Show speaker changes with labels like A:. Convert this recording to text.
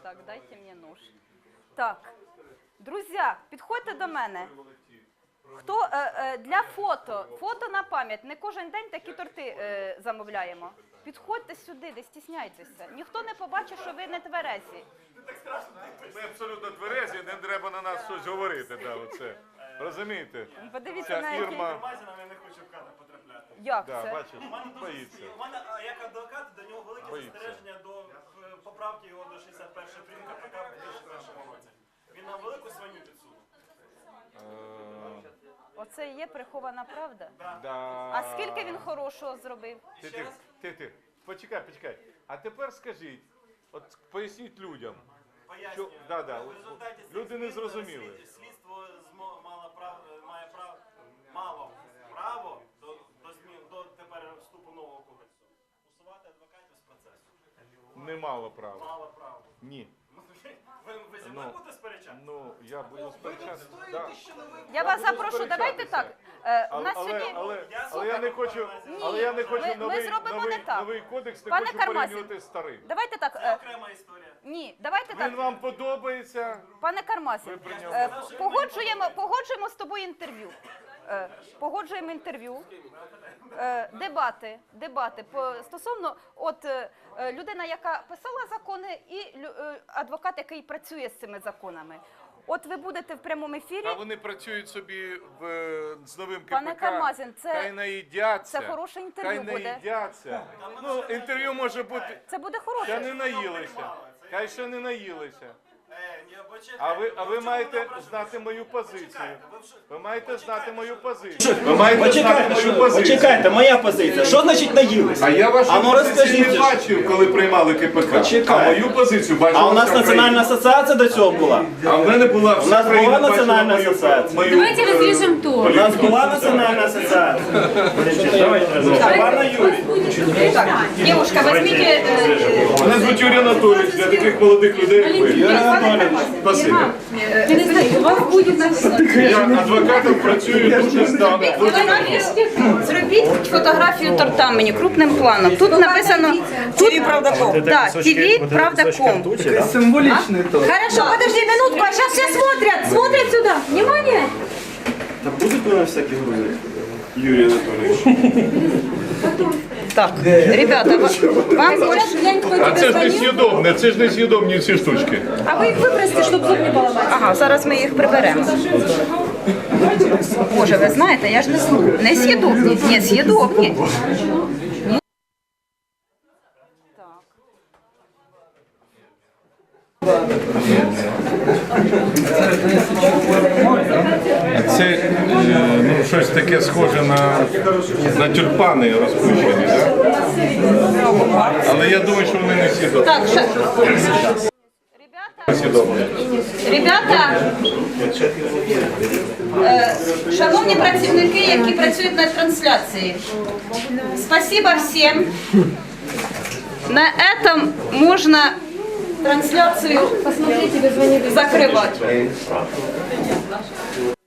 A: Так, дайте мені нож. Так, друзі, підходьте до мене. Хто для фото на пам'ять, не кожен день такі торти замовляємо. Підходьте сюди, не стісняйтеся. Ніхто не побачить, що ви не тверезі.
B: Ми абсолютно тверезі, не треба на нас щось говорити. Да, оце. Розумієте?
A: Подивіться на який...
B: Ірма...
C: Я не хочу в кадр потрапляти.
A: Як
B: Да,
A: це?
B: бачиш, боїться.
C: У мене, як адвокат, до нього велике
B: Боїться.
C: застереження до поправки його до 61 прим. КПК в 2001 році. Він нам велику свиню підсунув.
A: Оце і є прихована правда?
B: Да.
A: А скільки він хорошого зробив?
B: Ти. Почекай. А тепер скажіть, от поясніть людям.
C: Пояснюю.
B: Да.
C: В результаті
B: Люди не зрозуміли.
C: Слідство має право до тепер вступу нового кодексу. Усувати адвокатів з процесу.
B: Немало права.
C: Мало права.
B: Ні.
C: Ви зі мною будете сперечати?
B: Ну, я буду сперечатися. Да.
A: Я вас запрошу, давайте так. У нас сьогодні...
B: Але я не хочу,
A: зробимо не так.
B: новий кодекс, не
A: Пане
B: хочу
A: Кармазін,
B: порівнювати з старим.
A: Давайте так.
C: Це окрема історія.
A: Ні, давайте так.
B: Він вам подобається?
A: Пане Кармазін,
B: Ви при ньому-
A: погоджуємо з тобою інтерв'ю. Погоджуємо інтерв'ю, дебати стосовно людина, яка писала закони, і адвокат, який працює з цими законами. От ви будете в прямому ефірі.
B: А вони працюють собі з новим КПК.
A: Пане Кармазін,
B: хай наїдяться.
A: це хороше інтерв'ю
B: хай
A: буде.
B: наїдяться. Ну, інтерв'ю може бути.
A: Це буде
B: Ще
A: хороше.
B: не наїлися. Хай ще не наїлися.
C: Ні,
B: А ви маєте знати мою позицію. Ви маєте знати мою позицію.
D: Почекайте, моя позиція. Що значить наїлися?
B: А я вашу
D: А ну
B: позицію
D: розкажіть.
B: не бачив, коли приймали КПК.
D: Почекайте.
B: А мою позицію бачив.
D: А у нас національна асоціація до цього була?
B: А в мене була
D: У нас була національна асоціація.
E: Давайте разрежем то.
D: У нас була національна асоціація. Пане Юрій.
A: Девушка, возьмите...
B: Мене звуть Юрій Анатолійович, для таких молодих людей, як ви. Спасибо.
E: У вас будет
B: Я адвокатом працюю дуже здавна.
A: Зробіть фотографію торта мені крупним планом. Тут написано ТВ-Правда.ком. Так, ТВ-Правда.ком.
F: Символичный торт.
E: Хорошо, подожди минутку, а сейчас все смотрят сюда. Внимание!
D: Та будуть у нас всякі грузи? Юрій Анатолійович.
A: Так, ребята, вам
E: Сейчас глянь, кто
B: А
E: тебе
B: це ж
E: звонил.
B: несъєдобне, це ж несъєдобні ці штучки.
E: А вы их выбросьте, чтобы зуб не поломать.
A: Ага, зараз ми їх приберемо. Боже, ви знаєте, я ж не слухаю. Не з'їдобні, не з'їдобні.
B: Це щось таке схоже на тюльпани розпущені, так? Але я думаю, що вони не з'їдобні.
A: Так, ребята, шановні працівники, які працюють на трансляції, спасибо всім. На этом можна трансляцію закривати.